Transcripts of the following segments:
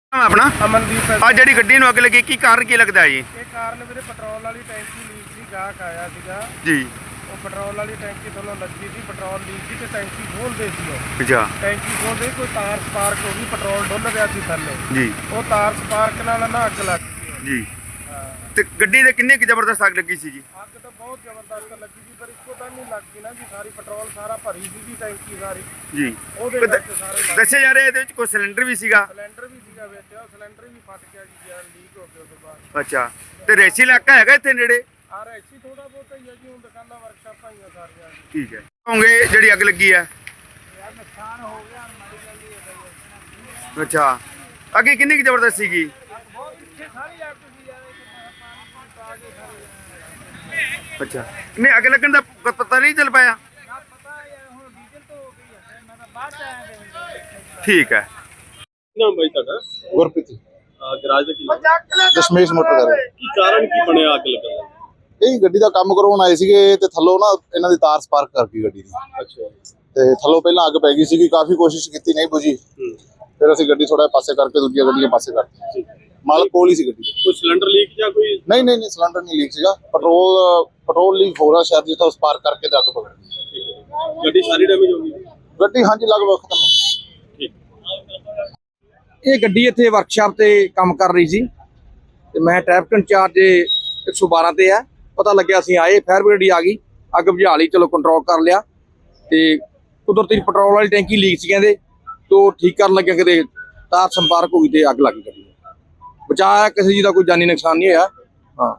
ਆਪਣਾ ਅਮਨਦੀਪ ਆ ਜਿਹੜੀ ਗੱਡੀ ਨੂੰ ਅੱਗ ਲੱਗੀ ਕੀ ਕਾਰਨ ਕੀ ਲੱਗਦਾ ਜੀ? ਇਹ ਕਾਰਨ ਵੀਰੇ ਪੈਟਰੋਲ ਵਾਲੀ ਟੈਂਕੀ ਲੀਕ ਸੀ। ਗਾਹਕ ਆਇਆ ਸੀਗਾ, ਜੀ ਉਹ ਪੈਟਰੋਲ ਵਾਲੀ ਟੈਂਕੀ ਥੱਲੋਂ ਲੱਗੀ ਸੀ, ਪੈਟਰੋਲ ਲੀਕ ਸੀ ਤੇ ਟੈਂਕੀ ਖੋਲਦੇ ਸੀ। ਉਹ ਅੱਛਾ ਟੈਂਕੀ ਖੋਲਦੇ ਕੋਈ ਤਾਰ ਸਪਾਰਕ ਹੋ ਗਈ, ਪੈਟਰੋਲ ਡੁੱਲ ਰਿਹਾ ਸੀ ਥੱਲੇ। ਜੀ ਉਹ ਤਾਰ ਸਪਾਰਕ ਨਾਲ ਨਾ ਅੱਗ ਲੱਗ ਗਈ। ਜੀ ਹਾਂ, ਤੇ ਗੱਡੀ ਦੇ ਕਿੰਨੇ ਕੁ ਜ਼ਬਰਦਸਤ ਅੱਗ ਲੱਗੀ ਸੀ ਜੀ? ਅੱਗ ਤਾਂ ਬਹੁਤ ਜ਼ਬਰਦਸਤ ਲੱਗੀ ਸੀ, ਪਰ ਇੱਕੋ ਦਮ ਨਹੀਂ ਲੱਗ ਗਈ ਨਾ ਜੀ। ਸਾਰੀ ਪੈਟਰੋਲ ਸਾਰਾ ਭਰੀ ਸੀਗੀ ਟੈਂਕੀ ਸਾਰੀ, ਜੀ ਉਹਦੇ ਦ- ਵਿੱਚ ਸਾਰੇ ਲੱਗ ਗਏ। ਦੱਸਿਆ ਜਾ ਰਿਹਾ ਇਹਦੇ ਵਿੱਚ ਕੋਈ ਸਿਲੰਡਰ ਵੀ ਸੀਗਾ। ਸਿਲੰਡਰ ਵੀ ਸੀਗਾ ਵਿੱਚ, ਉਹ ਸਿਲੰਡਰ ਵੀ ਫਟ ਗਿਆ ਜੀ, ਯਾਰ ਲੀਕ ਹੋ ਗਿਆ ਉਹਦੇ ਬਾਅਦ। ਅੱਛਾ ਤੇ ਰੇਸੀ ਇਲਾਕਾ ਹੈਗਾ ਇੱਥੇ ਨੇੜੇ? ਆ ਰੈਸੀ ਥੋੜਾ ਬਹੁਤ ਹੀ ਹੈ ਜੀ, ਹੁਣ ਦੁਕਾਨਾਂ ਵਰਕਸ਼ਾਪਾਂ ਹੀ ਆ ਸਾਰੀਆਂ ਜੀ। ਠੀਕ ਹੈ ਹੋਗੇ ਜਿਹੜੀ ਅੱਗ ਲੱਗੀ ਹੈ। ਯਾਰ ਨੁਕਸਾਨ ਹੋ ਗਿਆ, ਮਾੜੀ ਗੱਲ ਹੀ ਹੈ। ਅੱਛਾ ਅੱਗੇ ਕਿੰਨੀ ਕੁ ਜ਼ਬਰਦਸਤ ਸੀਗੀ? ਬਹੁਤ ਪਿੱਛੇ ਸਾਰੀ ਅੱਗ ਸੀ ਯਾਰ, ਪਾਣੀ ਪਾ ਕੇ ਸਾਰੇ ਅੱਛਾ ਨਹੀਂ ਅੱਗ ਲੱਗਣ ਦਾ ਪਤਾ ਨਹੀਂ ਚੱਲ ਪਾਇਆ? ਨਾ ਪਤਾ ਯਾਰ, ਹੁਣ ਡੀਜ਼ਲ ਤੋਂ ਹੋ ਗਈ ਹੈ, ਮੈਂ ਤਾਂ ਬਾਅਦ ਚ ਆਇਆ ਤੇ ਠੀਕ ਹੈ। ਨਾਮ ਬਾਈ ਤੁਹਾਡਾ? ਗੁਰਪ੍ਰੀਤ ਗਰਾਜ ਦਾ ਕੀ ਨਾਮ? ਦਸ਼ਮੇਸ਼ ਮੋਟਰ ਕਰ ਕੀ ਕਾਰਨ ਕੀ ਬਣਿਆ ਅੱਗ ਲੱਗਣ ਦਾ? ਇਹ ਗੱਡੀ ਦਾ ਕੰਮ ਕਰਵਾਉਣ ਆਏ ਸੀਗੇ ਤੇ ਥੱਲੋਂ ਨਾ ਇਹਨਾਂ ਦੀ ਤਾਰ ਸਪਾਰਕ ਕਰ ਗਈ ਗੱਡੀ ਦੀ ਅੱਛਾ ਤੇ ਥੱਲੋਂ ਪਹਿਲਾਂ ਅੱਗ ਪੈ ਗਈ ਸੀਗੀ, ਕਾਫੀ ਕੋਸ਼ਿਸ਼ ਕੀਤੀ ਨਹੀਂ ਬੁਝੀ। ਫਿਰ ਅਸੀਂ ਗੱਡੀ ਥੋੜਾ ਪਾਸੇ ਕਰਕੇ ਦੂਜੀਆਂ ਗੱਡੀਆਂ ਪਾਸੇ ਕਰਤੀ। ਮਾਲਕ ਕੋਲ ਹੀ ਸੀ ਗੱਡੀ ਦੇ। ਕੋਈ ਸਿਲੰਡਰ ਲੀਕ ਜਾਂ ਕੋਈ? ਨਹੀਂ ਸਿਲੰਡਰ ਨਹੀਂ ਲੀਕ ਸੀਗਾ, ਪੈਟਰੋਲ ਲੀਕ ਹੋ ਰਿਹਾ ਸ਼ਾਇਦ, ਜਿੱਥੋਂ ਸਪਾਰਕ ਕਰਕੇ ਤੇ ਅੱਗ ਪਕੜ ਗਈ। ਗੱਡੀ ਸਾਰੀ ਡੈਮੇਜ ਹੋ ਗਈ? ਗੱਡੀ ਹਾਂਜੀ ਲਗਭਗ ਖਤਮ ਹੋ ਗਈ। ਠੀਕ। ਇਹ ਗੱਡੀ ਇੱਥੇ ਵਰਕਸ਼ਾਪ ਤੇ ਕੰਮ ਕਰ ਰਹੀ ਸੀ ਤੇ ਮੈਂ ਟ੍ਰੈਫਿਕ ਇੰਚਾਰਜ 112 ਤੇ ਆ। ਪਤਾ ਲੱਗਿਆ ਅਸੀਂ ਆਏ, ਫਾਇਰ ਬ੍ਰਿਗੇਡ ਆ ਗਈ, ਅੱਗ ਬੁਝਾ ਲਈ, ਚਲੋ ਕੰਟਰੋਲ ਕਰ ਲਿਆ। ਤੇ ਕੁਦਰਤੀ ਪੈਟਰੋਲ ਵਾਲੀ ਟੈਂਕੀ ਲੀਕ ਸੀ ਕਹਿੰਦੇ, ਤੋਂ ਠੀਕ ਕਰਨ ਲੱਗਿਆ ਕਿਤੇ ਤਾਰ ਸੰਪਰਕ ਹੋ ਗਈ ਤੇ ਅੱਗ ਲੱਗ ਗਈ। ਬਚਾਇਆ ਕਿਸੇ ਜੀ ਦਾ ਕੋਈ ਜਾਨੀ ਨੁਕਸਾਨ ਨਹੀਂ ਹੋਇਆ। ਹਾਂ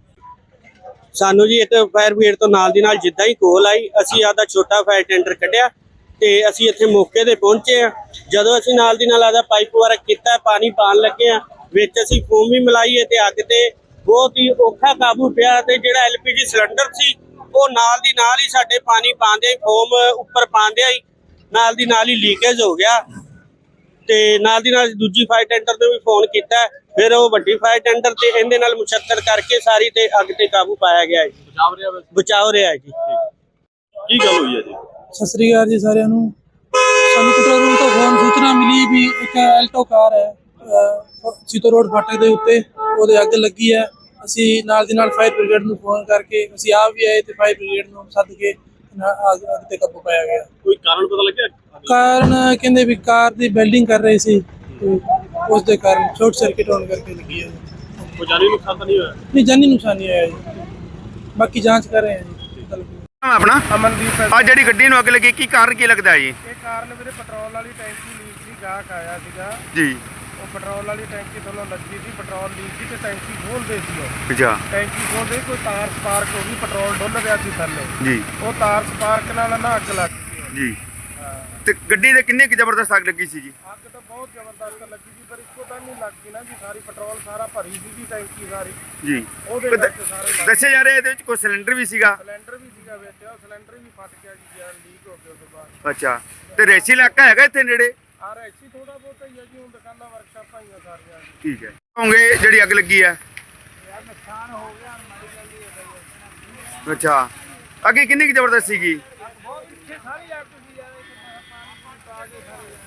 ਸਾਨੂੰ ਜੀ ਇੱਥੇ ਫਾਇਰ ਬ੍ਰਿਗੇਡ ਤੋਂ ਨਾਲ ਦੀ ਨਾਲ ਜਿੱਦਾਂ ਹੀ ਕੋਲ ਆਈ, ਅਸੀਂ ਆਦਾ ਛੋਟਾ ਫਾਇਰ ਟੈਂਡਰ ਕੱਢਿਆ ਤੇ ਅਸੀਂ ਇੱਥੇ ਮੌਕੇ ਤੇ ਪਹੁੰਚੇ ਆ। ਜਦੋਂ ਅਸੀਂ ਨਾਲ ਦੀ ਨਾਲ ਆਦਾ ਪਾਈਪ ਵਰਕ ਕੀਤਾ, ਪਾਣੀ ਪਾਣ ਲੱਗੇ ਆ, ਵਿੱਚ ਅਸੀਂ ਫੋਮ ਵੀ ਮਿਲਾਈ ਤੇ ਅੱਗ ਤੇ ਬਹੁਤ ਹੀ ਔਖਾ ਕਾਬੂ ਪਿਆ। ਤੇ ਜਿਹੜਾ ਐਲਪੀਜੀ ਸਿਲੰਡਰ ਸੀ ਉਹ ਨਾਲ ਦੀ ਨਾਲ ਹੀ ਸਾਡੇ ਪਾਣੀ ਪਾਉਂਦੇ ਫੋਮ ਉੱਪਰ ਪਾਉਂਦਿਆਂ ਹੀ ਨਾਲ ਦੀ ਨਾਲ ਹੀ ਲੀਕੇਜ ਹੋ ਗਿਆ। ਤੇ ਨਾਲ ਦੀ ਨਾਲ ਦੂਜੀ ਫਾਇਰ ਟੈਂਡਰ ਨੂੰ ਵੀ ਫੋਨ ਕੀਤਾ, ਫਿਰ ਉਹ ਵੱਡੀ ਫਾਇਰ ਟੈਂਡਰ ਤੇ ਇਹਦੇ ਨਾਲ ਮੁਸ਼ੱਤਰ ਕਰਕੇ ਸਾਰੀ ਤੇ ਅੱਗ ਤੇ ਕਾਬੂ ਪਾਇਆ ਗਿਆ ਹੈ। ਬਚਾਅ ਰਿਹਾ ਹੈ ਜੀ। ਕੀ ਗੱਲ ਹੋਈ ਹੈ ਜੀ? ਸਤਿ ਸ੍ਰੀ ਅਕਾਲ ਜੀ ਸਾਰਿਆਂ ਨੂੰ। ਸਾਨੂੰ ਕੰਟਰੋਲ ਰੂਮ ਤੋਂ ਫੋਨ ਸੂਚਨਾ ਮਿਲੀ ਵੀ ਇੱਕ ਐਲਟੋ ਕਾਰ ਹੈ ਸੀਤੋ ਰੋਡ ਫਾਟਕ ਦੇ ਉੱਤੇ, ਉਹਦੇ ਅੱਗ ਲੱਗੀ ਹੈ। ਅਸੀਂ ਨਾਲ ਦੀ ਨਾਲ ਫਾਇਰ ਬ੍ਰਿਗੇਡ ਨੂੰ ਫੋਨ ਕਰਕੇ ਅਸੀਂ ਆਪ ਵੀ ਆਏ ਤੇ ਫਾਇਰ ਬ੍ਰਿਗੇਡ ਨੂੰ ਸੱਦ ਕੇ ਅੱਗ ਤੇ ਕਾਬੂ ਪਾਇਆ ਗਿਆ। ਕੋਈ ਕਾਰਨ ਪਤਾ ਲੱਗਿਆ? ਕਾਰਨ ਕਹਿੰਦੇ ਵੀ ਕਾਰ ਦੀ ਵੈਲਡਿੰਗ ਕਰ ਰਹੇ ਸੀ, ਉਸ ਦੇ ਕਾਰਨ ਸ਼ਾਰਟ ਸਰਕਟ ਹੋਣ ਕਰਕੇ ਲੱਗੀ ਹੈ। ਕੋਈ ਜਾਨੀ ਨੁਕਸਾਨ ਤਾਂ ਨਹੀਂ ਹੋਇਆ? ਨਹੀਂ, ਜਾਨੀ ਨੁਕਸਾਨ ਨਹੀਂ ਹੋਇਆ ਜੀ, ਬਾਕੀ ਜਾਂਚ ਕਰ ਰਹੇ ਹਾਂ ਜੀ। ਆਪਣਾ ਅਮਨਦੀਪ ਆ ਜਿਹੜੀ ਗੱਡੀ ਨੂੰ ਅੱਗ ਲੱਗੀ ਕੀ ਕਾਰਨ ਕੀ ਲੱਗਦਾ ਜੀ? ਇਹ ਕਾਰਨ ਵੀਰੇ ਪੈਟਰੋਲ ਵਾਲੀ ਟੈਂਕੀ ਲੀਕ ਸੀ। ਗਾਹਕ ਆਇਆ ਸੀਗਾ, ਜੀ ਉਹ ਪੈਟਰੋਲ ਵਾਲੀ ਟੈਂਕੀ ਥੱਲੋਂ ਲੱਗੀ ਸੀ, ਪੈਟਰੋਲ ਲੀਕ ਸੀ ਤੇ ਟੈਂਕੀ ਖੋਲਦੇ ਸੀ। ਉਹ ਅੱਛਾ ਟੈਂਕੀ ਖੋਲਦੇ ਕੋਈ ਤਾਰ ਸਪਾਰਕ ਹੋ ਗਈ, ਪੈਟਰੋਲ ਡੁੱਲ ਰਿਹਾ ਸੀ ਥੱਲੇ। ਜੀ ਉਹ ਤਾਰ ਸਪਾਰਕ ਨਾਲ ਨਾ ਅੱਗ ਲੱਗ ਗਈ। ਜੀ ਹਾਂ, ਤੇ ਗੱਡੀ ਦੇ ਕਿੰਨੇ ਕੁ ਜ਼ਬਰਦਸਤ ਅੱਗ ਲੱਗੀ ਸੀ ਜੀ? ਅੱਗ ਤਾਂ ਬਹੁਤ ਜ਼ਬਰਦਸਤ ਲੱਗੀ ਸੀ, ਪਰ ਇੱਕੋ ਦਮ ਨਹੀਂ ਲੱਗ ਗਈ ਨਾ ਜੀ। ਸਾਰੀ ਪੈਟਰੋਲ ਸਾਰਾ ਭਰੀ ਸੀਗੀ ਟੈਂਕੀ ਸਾਰੀ, ਜੀ ਉਹਦੇ ਦ- ਵਿੱਚ ਸਾਰੇ ਲੱਗ ਗਏ। ਦੱਸਿਆ ਜਾ ਰਿਹਾ ਇਹਦੇ ਵਿੱਚ ਕੋਈ ਸਿਲੰਡਰ ਵੀ ਸੀਗਾ। ਸਿਲੰਡਰ ਵੀ ਸੀਗਾ ਵਿੱਚ, ਉਹ ਸਿਲੰਡਰ ਵੀ ਫਟ ਗਿਆ ਜੀ, ਯਾਰ ਲੀਕ ਹੋ ਗਿਆ ਉਹਦੇ ਬਾਅਦ। ਅੱਛਾ ਤੇ ਰੇਸੀ ਇਲਾਕਾ ਹੈਗਾ ਇੱਥੇ ਨੇੜੇ? ਆ ਰੈਸੀ ਥੋੜਾ ਬਹੁਤ ਹੀ ਹੈ ਜੀ, ਹੁਣ ਦੁਕਾਨਾਂ ਵਰਕਸ਼ਾਪਾਂ ਹੀ ਆ ਸਾਰੀਆਂ ਜੀ। ਠੀਕ ਹੈ ਹੋਗੇ ਜਿਹੜੀ ਅੱਗ ਲੱਗੀ ਹੈ। ਯਾਰ ਨੁਕਸਾਨ ਹੋ ਗਿਆ, ਮਾੜੀ ਗੱਲ ਹੀ ਹੈ। ਅੱਛਾ ਅੱਗੇ ਕਿੰਨੀ ਕੁ ਜ਼ਬਰਦਸਤ ਸੀਗੀ? ਬਹੁਤ ਪਿੱਛੇ ਸਾਰੀ ਅੱਗ ਸੀ ਯਾਰ, ਪਾਣੀ ਪਾ ਕੇ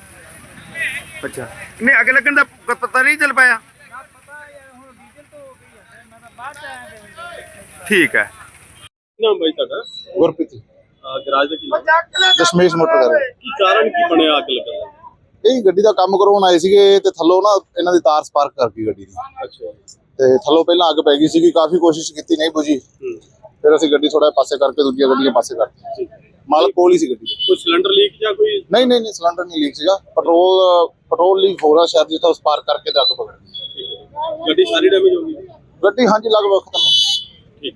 ਸਾਰੇ ਅੱਛਾ ਨਹੀਂ ਅੱਗ ਲੱਗਣ ਦਾ ਪਤਾ ਨਹੀਂ ਚੱਲ ਪਾਇਆ? ਨਾ ਪਤਾ ਯਾਰ, ਹੁਣ ਡੀਜ਼ਲ ਤੋਂ ਹੋ ਗਈ ਹੈ, ਮੈਂ ਤਾਂ ਬਾਅਦ ਚ ਆਇਆ ਤੇ ਠੀਕ ਹੈ। ਨਾਮ ਬਾਈ ਤੁਹਾਡਾ? ਗੁਰਪ੍ਰੀਤ ਗਰਾਜ ਦਾ ਕੀ ਨਾਮ? ਦਸ਼ਮੇਸ਼ ਮੋਟਰ ਕਰ ਕੀ ਕਾਰਨ ਕੀ ਬਣਿਆ ਅੱਗ ਲੱਗਣ ਦਾ? ਇਹ ਗੱਡੀ ਦਾ ਕੰਮ ਕਰਵਾਉਣ ਆਏ ਸੀਗੇ ਤੇ ਥੱਲੋਂ ਨਾ ਇਹਨਾਂ ਦੀ ਤਾਰ ਸਪਾਰਕ ਕਰ ਗਈ ਗੱਡੀ ਦੀ ਅੱਛਾ ਤੇ ਥੱਲੋਂ ਪਹਿਲਾਂ ਅੱਗ ਪੈ ਗਈ ਸੀਗੀ, ਕਾਫੀ ਕੋਸ਼ਿਸ਼ ਕੀਤੀ ਨਹੀਂ ਬੁਝੀ। ਫਿਰ ਅਸੀਂ ਗੱਡੀ ਥੋੜਾ ਪਾਸੇ ਕਰਕੇ ਦੂਜੀਆਂ ਗੱਡੀਆਂ ਪਾਸੇ ਕਰਤੀ। ਮਾਲਕ ਕੋਲ ਹੀ ਸੀ ਗੱਡੀ ਦੇ। ਕੋਈ ਸਿਲੰਡਰ ਲੀਕ ਜਾਂ ਕੋਈ? ਨਹੀਂ ਸਿਲੰਡਰ ਨਹੀਂ ਲੀਕ ਸੀਗਾ, ਪੈਟਰੋਲ ਲੀਕ ਹੋ ਰਿਹਾ ਸ਼ਾਇਦ, ਜਿੱਥੋਂ ਸਪਾਰਕ ਕਰਕੇ ਤੇ ਅੱਗ ਪਕੜ ਗਈ। ਗੱਡੀ ਸਾਰੀ ਡੈਮੇਜ ਹੋ ਗਈ? ਗੱਡੀ ਹਾਂਜੀ ਲਗਭਗ ਖਤਮ ਹੋ ਗਈ।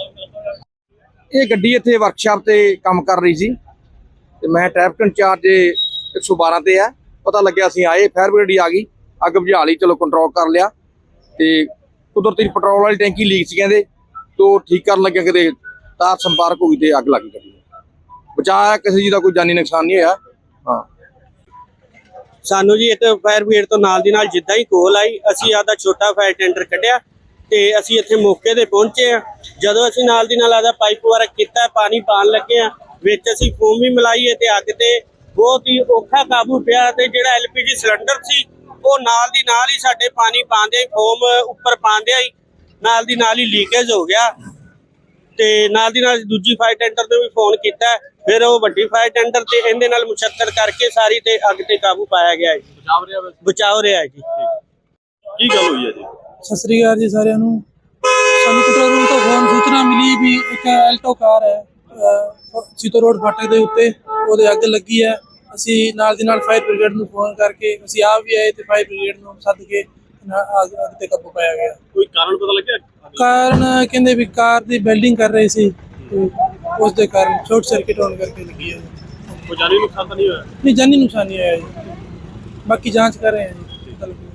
ਠੀਕ। ਇਹ ਗੱਡੀ ਇੱਥੇ ਵਰਕਸ਼ਾਪ ਤੇ ਕੰਮ ਕਰ ਰਹੀ ਸੀ ਤੇ ਮੈਂ ਟ੍ਰੈਫਿਕ ਇੰਚਾਰਜ 112 ਤੇ ਆ। ਪਤਾ ਲੱਗਿਆ ਅਸੀਂ ਆਏ, ਫਾਇਰ ਬ੍ਰਿਗੇਡ ਆ ਗਈ, ਅੱਗ ਬੁਝਾ ਲਈ, ਚਲੋ ਕੰਟਰੋਲ ਕਰ ਲਿਆ। ਤੇ ਕੁਦਰਤੀ ਪੈਟਰੋਲ ਵਾਲੀ ਟੈਂਕੀ ਲੀਕ ਸੀ ਕਹਿੰਦੇ, ਤੋਂ ਠੀਕ ਕਰਨ ਲੱਗਿਆ ਕਿਤੇ ਤਾਰ ਸੰਪਰਕ ਹੋ ਗਈ ਤੇ ਅੱਗ ਲੱਗ ਗਈ। ਬਚਾਇਆ ਕਿਸੇ ਜੀ ਦਾ ਕੋਈ ਜਾਨੀ ਨੁਕਸਾਨ ਨਹੀਂ ਹੋਇਆ। ਹਾਂ ਸਾਨੂੰ ਜੀ ਇੱਥੇ ਫਾਇਰ ਬ੍ਰਿਗੇਡ ਤੋਂ ਨਾਲ ਦੀ ਨਾਲ ਜਿੱਦਾਂ ਹੀ ਕੋਲ ਆਈ, ਅਸੀਂ ਆਦਾ ਛੋਟਾ ਫਾਇਰ ਟੈਂਡਰ ਕੱਢਿਆ ਤੇ ਅਸੀਂ ਇੱਥੇ ਮੌਕੇ ਤੇ ਪਹੁੰਚੇ ਆ। ਜਦੋਂ ਅਸੀਂ ਨਾਲ ਦੀ ਨਾਲ ਆਦਾ ਪਾਈਪ ਵਰਕ ਕੀਤਾ, ਪਾਣੀ ਪਾਣ ਲੱਗੇ ਆ, ਵਿੱਚ ਅਸੀਂ ਫੋਮ ਵੀ ਮਿਲਾਈ ਤੇ ਅੱਗ ਤੇ ਬਹੁਤ ਹੀ ਔਖਾ ਕਾਬੂ ਪਿਆ। ਤੇ ਜਿਹੜਾ ਐਲਪੀਜੀ ਸਿਲੰਡਰ ਸੀ ਉਹ ਨਾਲ ਦੀ ਨਾਲ ਹੀ ਸਾਡੇ ਪਾਣੀ ਪਾਉਂਦੇ ਹੀ ਫੋਮ ਉੱਪਰ ਪਾਉਂਦੇ ਹੀ ਨਾਲ ਦੀ ਨਾਲ ਹੀ ਲੀਕੇਜ ਹੋ ਗਿਆ ਤੇ ਨਾਲ ਦੀ ਨਾਲ ਦੂਜੀ ਫਾਇਰ ਟੈਂਡਰ ਨੂੰ ਵੀ ਫੋਨ ਕੀਤਾ, ਫਿਰ ਉਹ ਵੱਡੀ ਫਾਇਰ ਟੈਂਡਰ ਤੇ ਇਹਦੇ ਨਾਲ ਮੁਸ਼ੱਤਰ ਕਰਕੇ ਸਾਰੀ ਤੇ ਅੱਗ ਤੇ ਕਾਬੂ ਪਾਇਆ ਗਿਆ ਹੈ। ਬਚਾਓ ਰਿਹਾ ਹੈ ਜੀ। ਕੀ ਗੱਲ ਹੋਈ ਹੈ ਜੀ? ਸਤਿ ਸ੍ਰੀ ਅਕਾਲ ਜੀ ਸਾਰਿਆਂ ਨੂੰ। ਸਾਨੂੰ ਕੰਟਰੋਲ ਰੂਮ ਤੋਂ ਫੋਨ ਸੂਚਨਾ ਮਿਲੀ ਵੀ ਇੱਕ ਐਲਟੋ ਕਾਰ ਹੈ ਸੀਤੋ ਰੋਡ ਫਾਟਕ ਦੇ ਉੱਤੇ, ਉਹਦੇ ਅੱਗ ਲੱਗੀ ਹੈ। ਅਸੀਂ ਨਾਲ ਦੀ ਨਾਲ ਫਾਇਰ ਬ੍ਰਿਗੇਡ ਨੂੰ ਫੋਨ ਕਰਕੇ ਅਸੀਂ ਆਪ ਵੀ ਆਏ ਤੇ ਫਾਇਰ ਬ੍ਰਿਗੇਡ ਨੂੰ ਸੱਦ ਕੇ ਅੱਗ ਤੇ ਕਾਬੂ ਪਾਇਆ ਗਿਆ। ਕੋਈ ਕਾਰਨ ਪਤਾ ਲੱਗਿਆ? ਕਾਰਨ ਕਹਿੰਦੇ ਵੀ ਕਾਰ ਦੀ ਵੈਲਡਿੰਗ ਕਰ ਰਹੇ ਸੀ ਤੇ ਉਸ ਦੇ ਕਾਰਨ ਸ਼ਾਰਟ ਸਰਕਟ ਹੋਣ ਕਰਕੇ ਲੱਗੀ ਹੈ। ਕੋਈ ਜਾਨੀ ਨੁਕਸਾਨ ਤਾਂ ਨਹੀਂ ਹੋਇਆ? ਨਹੀਂ, ਜਾਨੀ ਨੁਕਸਾਨ ਨਹੀਂ ਆਇਆ ਜੀ, ਬਾਕੀ ਜਾਂਚ ਕਰ ਰਹੇ ਹਾਂ ਜੀ।